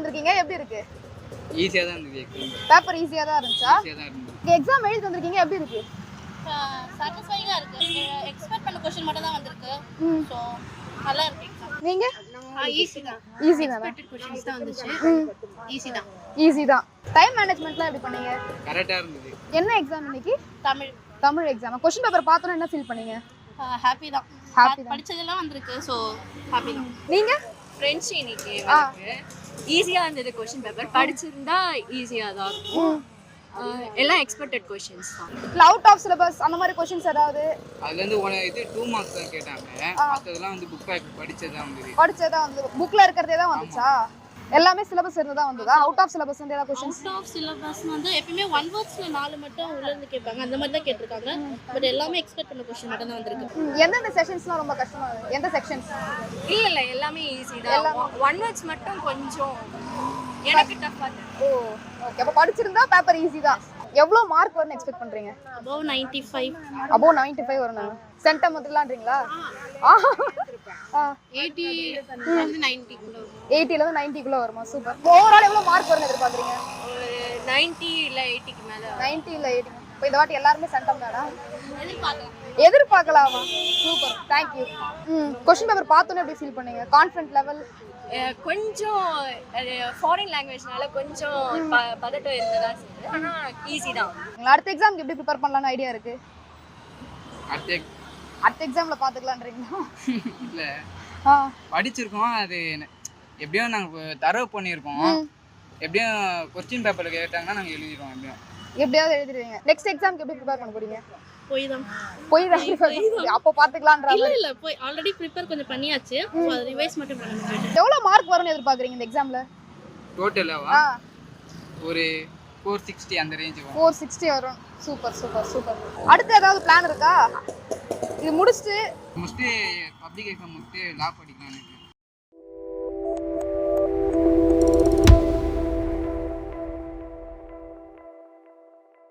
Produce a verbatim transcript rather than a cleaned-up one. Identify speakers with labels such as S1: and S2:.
S1: வந்திருக்கீங்க, எப்படி இருக்கு?
S2: ஈஸியா தான் இருந்துச்சு எக்ஸாம்.
S1: பேப்பர் ஈஸியா தான் இருந்துச்சா?
S2: ஈஸியா தான் இருந்துச்சு.
S1: நீங்க எக்ஸாம் எழுதி வந்திருக்கீங்க, எப்படி இருக்கு?
S3: சாட்டிஸ்ஃபைங்கா இருக்கு. எக்ஸ்பெக்ட் பண்ண क्वेश्चन மட்டும் தான் வந்திருக்கு. சோ நல்லா இருக்கு எக்ஸாம்.
S1: நீங்க?
S3: ஈஸி தான்.
S1: ஈஸி தான்.
S3: எக்ஸ்பெக்டட் क्वेश्चंस தான் வந்துச்சு. ஈஸி தான்.
S1: ஈஸி தான். டைம் மேனேஜ்மென்ட்லாம் எப்படி பண்ணீங்க?
S2: கரெக்ட்டா இருந்துச்சு.
S1: என்ன எக்ஸாம் இன்னைக்கு?
S3: Tamil.
S1: Tamil exam. Question paper பார்த்தோனே என்ன ஃபீல் பண்ணீங்க?
S3: ஹாப்பி தான்.
S1: ஹாப்பி தான்.
S3: படிச்சதெல்லாம் வந்திருக்கு. சோ ஹாப்பி தான்.
S1: நீங்க?
S4: ஃப்ரெண்ட்ஸ் இன்னைக்கு எனக்கு ஈஸியா இருந்தது क्वेश्चन பேப்பர். படிச்சிருந்தா ஈஸியா தான் இருக்கும். எல்லாம் எக்ஸ்பெக்டட் क्वेश्चंस தான்.
S1: இல்ல அவுட் ஆஃப் சிலபஸ் அந்த மாதிரி क्वेश्चंस ஏதாவது?
S2: அதுல இருந்து ஒரு இது two மார்க்ஸ் தான் கேட்டாங்க. மத்ததெல்லாம் வந்து புக் பேக் படிச்சதா வந்தது.
S1: படிச்சதா வந்து புக்ல இருக்கறதே தான் வந்துச்சா? எல்லாமே சிலபஸ் இருந்ததா வந்ததா? அவுட் ஆஃப் சிலபஸ் வந்து ஏதாவது क्वेश्चंस?
S3: அவுட் ஆஃப் சிலபஸ் வந்து எப்பவுமே ஒன் வேர்ட்ஸ்ல நாலு மட்டும் உள்ள இருந்து கேட்பாங்க. அந்த மாதிரி தான் கேட்டிருக்காங்க. பட் எல்லாமே எக்ஸ்பெக்ட் பண்ண क्वेश्चन மட்டும் தான் வந்திருக்கு.
S1: எந்தெந்த செஷன்ஸ்லாம் ரொம்ப கஷ்டமா இருக்கு? எந்த செக்ஷன்ஸ்?
S4: இல்ல இல்ல எல்லாமே ஈஸி தான். ஒன் வேர்ட்ஸ் மட்டும் கொஞ்சம் எனக்கு டஃப்பா இருக்கு.
S1: Oh okay. அப்ப படிச்சிருந்தா பேப்பர் ஈஸி தான். எவ்வளவு மார்க் வரும்னு எக்ஸ்பெக்ட் பண்றீங்க?
S3: above ninety-five.
S1: above ninety-five வரணும். சென்டம் வந்துலாம்ன்றீங்களா? ஆ
S3: eighty வந்து ninety குள்ள வரும்.
S1: eighty ல இருந்து ninety குள்ள வருமா? சூப்பர். ஓவரால் எவ்வளவு மார்க் வரும்னு எதிர்பார்க்கறீங்க?
S4: ஒரு ninety இல்ல eighty க்கு மேல.
S1: ninety இல்ல eighty. இப்போ இந்த வாட்டி எல்லாரும் சென்டம் தானா?
S3: எதிர்பார்க்கலாம்.
S1: எதிர்பார்க்கலாமா? சூப்பர். Thank you. ம் क्वेश्चन பேப்பர் பார்த்தோனே எப்படி ஃபீல் பண்ணீங்க? கான்ஃபிடன்ட் லெவல்
S4: கொஞ்சம் ஃபாரின் லாங்குவேஜ்னால கொஞ்சம் பதட்டம் இருந்ததா சரி. ஆனா ஈஸி தான்.
S1: அடுத்த எக்ஸாம்க்கு எப்படி ப்ரிப்பேர் பண்ணலாம்னு ஐடியா இருக்கு?
S2: அடுத்த
S1: அடுத்த எக்ஸாம்ல பாத்துக்கலாம்ன்றீங்களா?
S2: இல்ல
S1: ஆ
S2: படிச்சிருக்கோம். அது எப்படியும் நாங்க தரவு பண்ணியிருக்கோம். எப்படியும் क्वेश्चन பேப்பர்ல கேட்டாங்கன்னா நாங்க எழுதிடுவோம். எப்படியும்
S1: எப்படியாவது எழுதிடுவீங்க. நெக்ஸ்ட் எக்ஸாம்க்கு எப்படி ப்ரிப்பேர் பண்ண போறீங்க?
S3: போய் தான்.
S1: போய் தான் அப்போ பாத்துக்கலாம்ன்ற
S3: இல்ல இல்ல போய் ஆல்ரெடி ப்ரிப்பேர் கொஞ்சம் பண்ணியாச்சு. சோ அது ரிவைஸ் மட்டும் பண்ணணும்.
S1: எவ்வளவு மார்க் வரும்னு எதிர்பார்க்கறீங்க இந்த எக்ஸாம்ல?
S2: டோட்டலாவா?
S1: ஆ
S2: ஒரு four sixty அந்த ரேஞ்ச் வரும்.
S1: four sixty வரும். Super super super. அடுத்து ஏதாவது பிளான் இருக்கா? இது முடிச்சிட்டு
S2: முடிச்சிட்டு பப்ளிக் எக்ஸாம் முடிச்சிட்டு லா படிக்கலாம்னு.